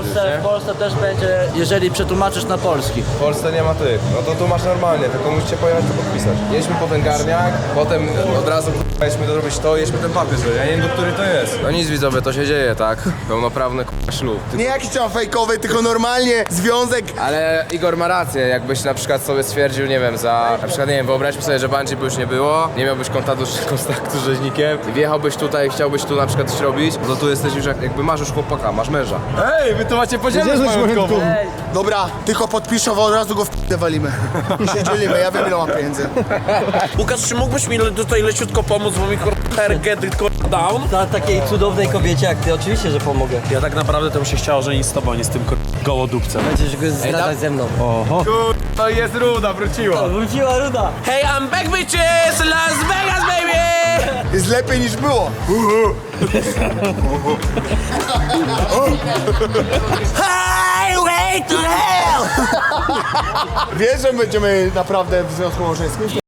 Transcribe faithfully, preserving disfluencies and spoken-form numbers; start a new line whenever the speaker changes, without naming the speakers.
Polsce, w Polsce też będzie, jeżeli przetłumaczysz na polski.
W Polsce nie ma tych, no to tu masz normalnie, tylko musicie pojechać to podpisać. Jedźmy po ten garniak, potem od razu k***a, jedźmy zrobić to, jedźmy ten papier, że ja nie wiem, do który to jest. No nic widzowie, to się dzieje, tak? Pełnoprawny k***a ślub.
Nie jakiś tam fejkowy, tylko normalnie związek.
Ale Igor ma rację, jakbyś na przykład sobie stwierdził, nie wiem, za... Na przykład, nie wiem, wyobraźmy sobie, że bungee by już nie było, nie miałbyś kontaktu, kontaktu z rzeźnikiem i wjechałbyś tutaj, chciałbyś tu na przykład coś robić, no tu jesteś już jak, jakby masz już chłopaka, masz męża. Ej, wy tu macie podzielność majątkową.
Dobra, tylko podpiszę, bo od razu go w p***e walimy. I się dzielimy, ja wiem ile mam pieniędzy.
Łukasz, czy mógłbyś mi le- tutaj leciutko pomóc, bo mi kurwa get it kurwa down?
Dla takiej cudownej kobiecie jak ty, oczywiście, że pomogę.
Ja tak naprawdę to bym się chciał żenić z tobą, nie z tym kur... gołodupcem.
Będziesz go zdradzać ze mną.
To jest ruda, wróciła.
Wróciła Ruda.
Hey, I'm back bitches! Las Vegas, baby!
Jest lepiej niż było.
Highway to hell!
Wiesz, że będziemy naprawdę w związku małżeńskim?